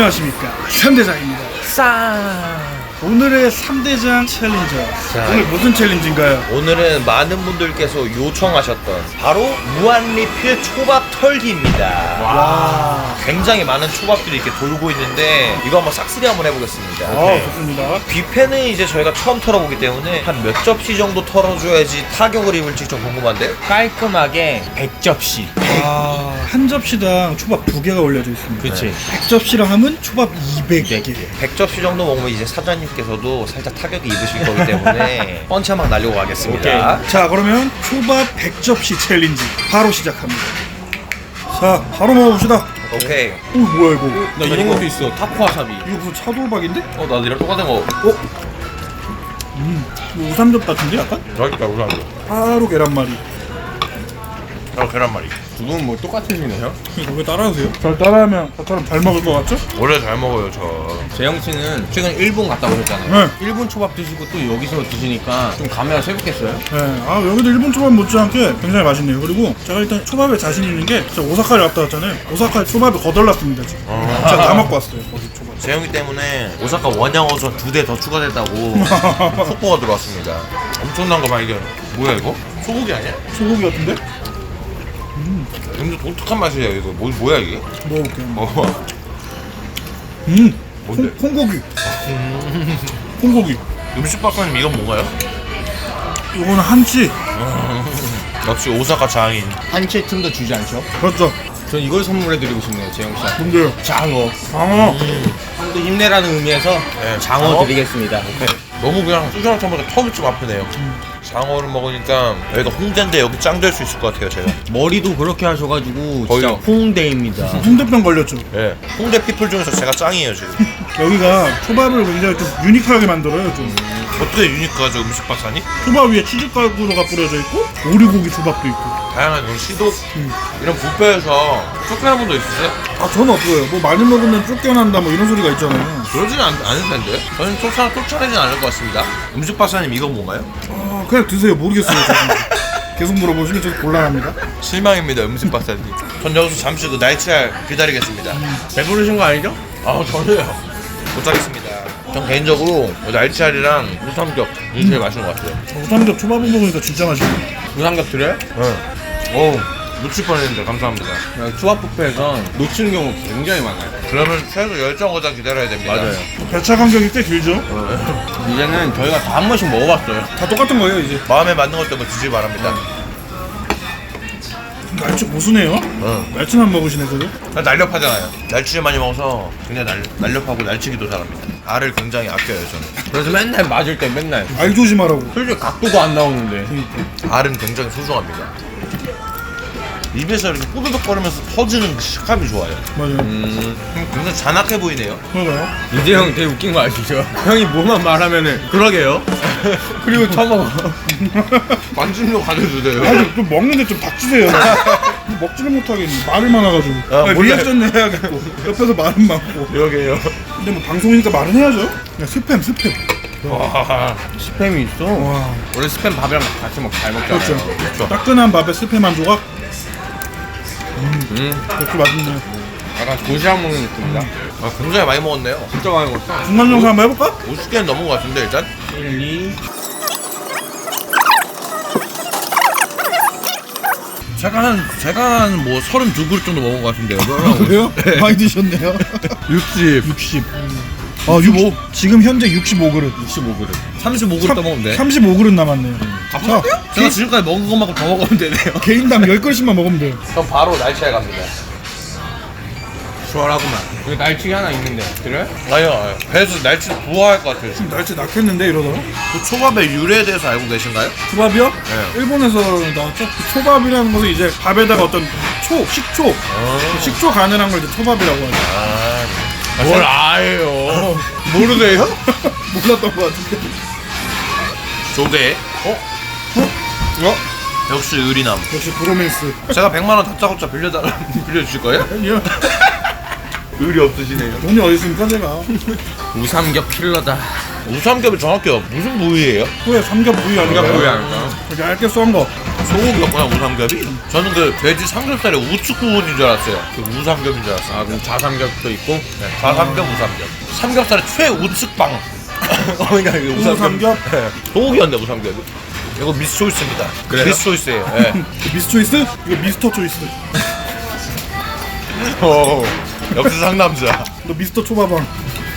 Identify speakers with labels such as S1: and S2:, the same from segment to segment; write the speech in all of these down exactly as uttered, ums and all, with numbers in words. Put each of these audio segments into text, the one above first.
S1: 안녕하십니까, 삼대장입니다.
S2: 싸.
S1: 오늘의 삼대장 챌린저.
S2: 자,
S1: 오늘 무슨 챌린지인가요?
S2: 오늘은 많은 분들께서 요청하셨던 바로 무한리필 초밥 털기입니다.
S1: 와.
S2: 굉장히 많은 초밥들이 이렇게 돌고 있는데 이거 한번 싹쓸이 한번 해보겠습니다.
S1: 아, 좋습니다.
S2: 뷔페는 이제 저희가 처음 털어보기 때문에 한 몇 접시 정도 털어줘야지 타격을 입을지 좀 궁금한데요?
S3: 깔끔하게 백 접시.
S1: 아, 한 접시당 초밥 두 개가 올려져 있습니다.
S3: 그치.
S1: 백 접시랑 하면 초밥 이백 개.
S2: 백 접시 정도 먹으면 이제 사장님께서도 살짝 타격이 입으실 거기 때문에 펀치 한 방 날리고 가겠습니다.
S1: 자, 그러면 초밥 백 접시 챌린지 바로 시작합니다. 자, 바로 먹어봅시다.
S2: 오케이.
S1: 오, 뭐야 이거?
S3: 나 이런 것도 있어. 타코와사비.
S1: 이거 무슨 차돌박인데?
S2: 어, 나도 이랑 똑같은 거.
S1: 어? 음, 이거 우삼겹 같은데 약간?
S2: 맛있다, 우선.
S1: 바로 계란말이.
S2: 어, 계란말이.
S3: 두 분 뭐 똑같으시네요.
S1: 이거 왜 따라하세요? 잘 따라하면 저처럼 잘 먹을 것 같죠?
S2: 원래 잘 먹어요, 저.
S3: 재영 씨는 최근 일본 갔다 오셨잖아요.
S1: 네.
S3: 일본 초밥 드시고 또 여기서 드시니까 좀 감회가 새롭겠어요?
S1: 네, 아 여기도 일본 초밥 못지않게 굉장히 맛있네요. 그리고 제가 일단 초밥에 자신 있는 게 제가 오사카를 갔다 왔잖아요. 오사카에 초밥이 거덜났습니다 지금. 제가 다 먹고 왔어요 거기 초밥.
S2: 재영이 때문에 오사카 원양어선 두 대 더 추가됐다고 속보가 들어왔습니다. 엄청난 거 발견. 뭐야 이거? 소고기 아니야?
S1: 소고기 같은데?
S2: 굉장히 독특한 맛이야 이거. 뭐, 뭐야 이게?
S1: 먹어볼게요.
S2: 먹어봐.
S1: 음,
S2: 뭔데?
S1: 콩, 콩고기. 콩고기.
S2: 음식 박사님 이건 뭔가요?
S1: 이거는 한치.
S2: 역시 오사카 장인.
S3: 한치의 틈도 주지 않죠?
S1: 그렇죠.
S3: 전 이걸 선물해드리고 싶네요, 재영 씨한테.
S1: 뭔데요?
S3: 장어.
S1: 방어.
S3: 형도 힘내라는 의미에서
S2: 네,
S3: 장어,
S2: 장어?
S3: 드리겠습니다.
S2: 너무 그냥 수저랑 처먹으니까 턱이 좀 아프네요. 장어를 먹으니까 여기가 홍대인데 여기 짱 될 수 있을 것 같아요 제가.
S3: 머리도 그렇게 하셔가지고
S2: 거의-
S3: 진짜 홍대입니다.
S1: 홍대병 걸렸죠.
S2: 예. 홍대 피플 중에서 제가 짱이에요 지금.
S1: 여기가 초밥을 굉장히 좀 유니크하게 만들어요. 좀
S2: 어떻게 유니크하죠 음식 박사님?
S1: 초밥 위에 치즈가루가 뿌려져 있고 오리고기 초밥도 있고.
S2: 다양한 이런 시도 이런 뷔페에서 쫓겨난 분도 있으세요?
S1: 아, 저는 없어요. 뭐 많이 먹으면 쫓겨난다 뭐 이런 소리가 있잖아요.
S2: 그러지는 않, 않을 텐데. 저는 쫓아, 쫓아내진 않을 것 같습니다. 음식 박사님 이건 뭔가요?
S1: 아, 그냥 드세요. 모르겠어요. 저는. 계속 물어보시면 저 곤란합니다.
S2: 실망입니다 음식 박사님. 전 여기서 잠시 그 날치알 기다리겠습니다.
S3: 배부르신 거 아니죠?
S2: 아 전혀요. 못하겠습니다. 전 개인적으로 날치알이랑 우삼겹 이게 제일 맛있는 것 같아요.
S1: 우삼겹 초밥을 먹으니까 진짜 맛있네.
S3: 우삼겹 드려요?
S2: 네. 오 놓칠 뻔했는데 감사합니다.
S3: 초밥 뷔페에서 놓치는 경우 굉장히 많아요.
S2: 그러면 최소 열 정거장 기다려야 됩니다.
S1: 배차 간격이 꽤 길죠?
S3: 이제는 저희가 다 한 번씩 먹어봤어요.
S1: 다 똑같은 거예요 이제.
S2: 마음에 맞는 것 때문에 드시기 바랍니다.
S1: 날치 고수네요?
S2: 응.
S1: 날치만 먹으시네 그래도?
S2: 날렵하잖아요. 날치를 많이 먹어서 굉장히 날, 날렵하고 날치기도 잘합니다. 알을 굉장히 아껴요 저는.
S3: 그래서 맨날 맞을 때 맨날
S1: 알 조심하라고.
S3: 솔직히 각도가 안 나오는데
S2: 알은 굉장히 소중합니다. 입에서 이렇게 꼬드득거리면서 터지는 그 식감이 좋아요.
S1: 맞아요.
S2: 음, 굉장히 잔악해 보이네요.
S1: 그런가요?
S3: 이제 형 되게 웃긴 거 아시죠? 형이 뭐만 말하면은 그러게요. 그리고 처먹어.
S2: 관심도 가져주세요.
S1: 아니 좀 먹는데 좀 닥치세요. 먹지를 못하겠니. 말을 많아가지고.
S2: 아,
S1: 아니,
S2: 몰라요.
S1: 리액션 해야겠고 옆에서 말은 많고.
S2: 그러게요.
S1: 근데 뭐 방송이니까 말은 해야죠. 그냥 스팸 스팸.
S2: 와,
S3: 스팸이 있어.
S1: 와,
S3: 원래 스팸 밥이랑 같이 먹 잘 먹잖아요.
S1: 그렇죠.
S2: 그렇죠.
S1: 따끈한 밥에 스팸 한 조각.
S3: 음,
S1: 그렇게 맛있네.
S3: 약간 도시락 먹는 느낌이다.
S2: 아, 굉장히 많이 먹었네요.
S3: 진짜 많이 먹었어.
S1: 중간 영상 한번 해볼까?
S2: 오십 개는 넘은 것 같은데 일단.
S3: 일, 이.
S2: 제가 한 제가 한 뭐 서른두 그릇 정도 먹은 것 같은데요.
S1: 그래요? 많이 드셨네요.
S2: 육십,
S1: 육십. 어, 육십오. 지금 현재 육십오 그릇.
S2: 육십오 그릇. 삼십오 그릇 떠먹으면 돼.
S1: 삼십오 그릇 남았네요.
S2: 다 먹었대요? 제가 지금까지 먹은 것만큼 더 먹으면 되네요.
S1: 개인당 열 그릇씩만 먹으면 돼요.
S2: 그럼 바로 날치알 갑니다.
S3: 시원하구만. 여기 날치기 하나 있는데. 그래?
S2: 아니요, 아니요. 배에서 날치 부화할 것 같아요. 지금.
S1: 날치 낳겠는데 이러다가?
S2: 그 초밥의 유래에 대해서 알고 계신가요?
S1: 초밥이요?
S2: 네.
S1: 일본에서 나왔죠? 그 초밥이라는 것은 이제 밥에다가 어떤 초, 식초, 그 식초 가늘한 걸 이제 초밥이라고 하죠.
S2: 아,
S3: 뭘 아예요. 모르세요?
S1: 몰랐던 것 같은데.
S2: 조개.
S1: 어? 어?
S2: 역시 의리남.
S1: 역시 브로맨스.
S2: 제가 백만 원 다짜고짜 빌려달라 빌려주실 거예요?
S1: 아니요.
S2: 의리 없으시네요.
S1: 돈이 어디 있습니까, 제가?
S3: 우삼겹 킬러다.
S2: 우삼겹이 정확히 무슨 부위예요?
S1: 후에 삼겹 부위 아닌가요?
S3: 삼겹 부위 아닐까요?
S1: 이렇게 얇게 썬 거.
S2: 소고기였구나 우삼겹이? 저는 그 돼지 삼겹살의 우측 부분인 줄 알았어요. 그 우삼겹인 줄 알았어요.
S3: 아 그럼 자삼겹도 있고.
S2: 네, 좌삼겹, 우삼겹. 삼겹살의 최우측방. 어, 그러니까 그
S1: 우삼겹?
S2: 네. 소고기였네 우삼겹이. 이거 미스 초이스입니다.
S3: 그래요?
S2: 미스 초이스예요. 네.
S1: 미스 초이스? 이거 미스터 초이스.
S2: 오, 역시 상남자.
S1: 너 미스터 초밥왕.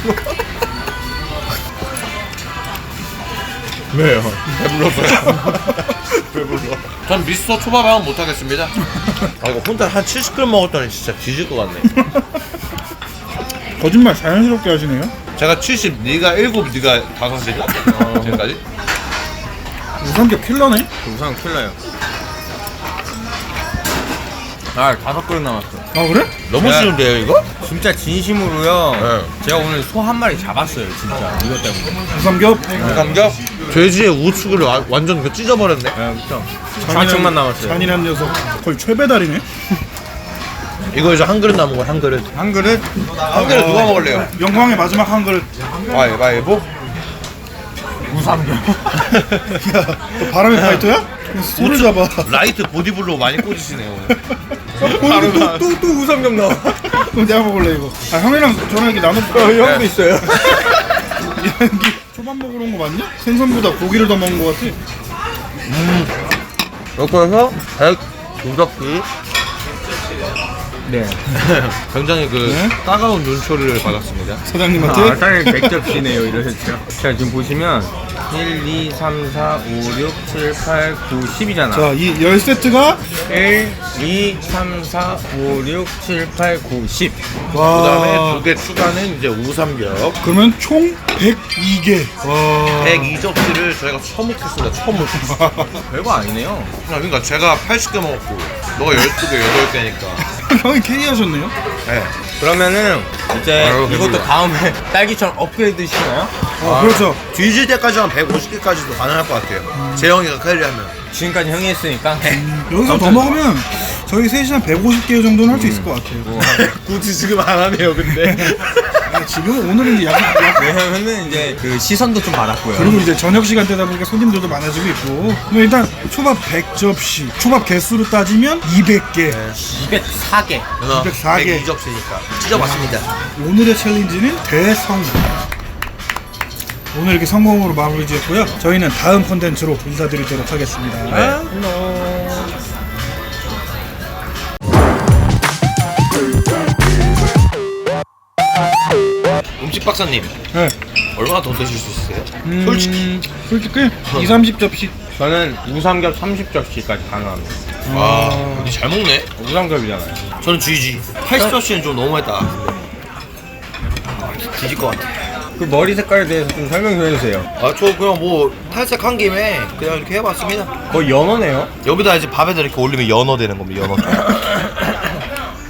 S3: 왜요?
S2: 배불러서요. 배불러. 전 미스터 초밥왕은 못하겠습니다. 아 이거 혼자 한 칠십 그램 먹었더니 진짜 뒤질 것 같네.
S1: 거짓말 자연스럽게 하시네요.
S2: 제가 칠십, 네가 일곱, 네가 다섯이냐? 어, 지금까지?
S1: 우삼겹 킬러네?
S3: 우상 킬러요. 아 다섯 그릇 남았어.
S1: 아 그래?
S2: 너무
S3: 야.
S2: 쉬운데요 이거?
S3: 진짜 진심으로요.
S2: 네.
S3: 제가 오늘 소 한 마리 잡았어요 진짜 이것 때문에.
S1: 우삼겹?
S2: 삼겹? 돼지의 우측을 와- 완전 그 찢어버렸네.
S3: 네, 그렇죠. 좌측만 남았어요.
S1: 잔인한 녀석. 거의 최배달이네.
S2: 이거 이제 한 그릇 남은 거야 한 그릇.
S3: 한 그릇?
S2: 한 그릇 누가 먹을래요?
S1: 영광의 마지막 한 그릇.
S2: 가위바위보?
S3: 우삼겹.
S1: 너 바람의 파이터야? 그냥 소를 잡아.
S2: 라이트 보디블로 많이 꽂으시네요 오늘.
S3: 바로 또또 또 우삼겹 나와.
S1: 그럼 내가 먹을래 이거. 아 형이랑 저랑 이렇게 나눠.
S3: 어, 형도 있어요.
S1: 여기 초밥 먹으러 온 거 맞냐? 생선보다 고기를 더 먹은 거 같아.
S2: 이렇게 해서 백 두접기.
S3: 네.
S2: 굉장히 그
S1: 네?
S2: 따가운 눈초리를 받았습니다.
S1: 사장님한테.
S3: 아, 딸 백접시네요, 이러셨죠. 자, 지금 보시면 일, 이, 삼, 사, 오, 육, 칠, 팔, 구, 십이잖아.
S1: 자, 이 열 세트가
S3: 일, 이, 삼, 사, 오, 육, 칠, 팔, 구, 십.
S2: 그 다음에
S1: 와.
S2: 두 개 추가는 이제 우삼겹.
S1: 그러면 총 백이 개. 와.
S2: 백이 접시를 저희가 처먹겠습니다. 처먹.
S3: 별거 아니네요.
S2: 그러니까 제가 팔십 개 먹었고 너가 열두 개, 여덟 개니까.
S1: 형이 캐리하셨네요?
S2: 네.
S3: 그러면은 이제
S2: 아유,
S3: 이것도
S2: 배불러.
S3: 다음에 딸기처럼 업그레이드 시나요?
S1: 어, 그렇죠.
S2: 뒤질 때까지 한 백오십 개까지도 가능할 것 같아요. 재영이가 캐리하면.
S3: 지금까지 형이 했으니까.
S1: 여기서 더 먹으면 저희 셋이 한 백오십 개 정도는 할 수 있을 것 같아요.
S2: 굳이 지금 안 하네요, 근데.
S1: 아, 지금 오늘은 이제 약, 약
S3: 왜냐면은 이제 그 시선도 좀 받았고요.
S1: 그리고 이제 저녁 시간대다 보니까 손님들도 많아지고 있고. 그럼 일단 초밥 백 접시, 초밥 개수로 따지면 이백 개.
S3: 이백사 개.
S1: 이백사 개.
S2: 백이 접시니까. 찢어봤습니다.
S1: 오늘의 챌린지는 대성공. 오늘 이렇게 성공으로 마무리 지었고요. 저희는 다음 콘텐츠로 인사드리도록 하겠습니다.
S2: 네. 음식 박사님,
S1: 네.
S2: 얼마나 더 드실 수 있어요?
S1: 음,
S2: 솔직히.
S1: 솔직히 이삼십 접시.
S3: 저는 우삼겹 삼십 접시까지 가능합니다.
S2: 와, 근데 잘 먹네.
S3: 우삼겹이잖아요.
S2: 저는 지지. 팔십 접시는 좀 너무했다. 아, 뒤질 것 같아.
S3: 그 머리 색깔에 대해서 좀 설명 좀 해주세요.
S2: 아, 저 그냥 뭐 탈색한 김에 그냥 이렇게 해봤습니다.
S3: 거의 연어네요.
S2: 여기다 이제 밥에다 이렇게 올리면 연어 되는 겁니다. 연어.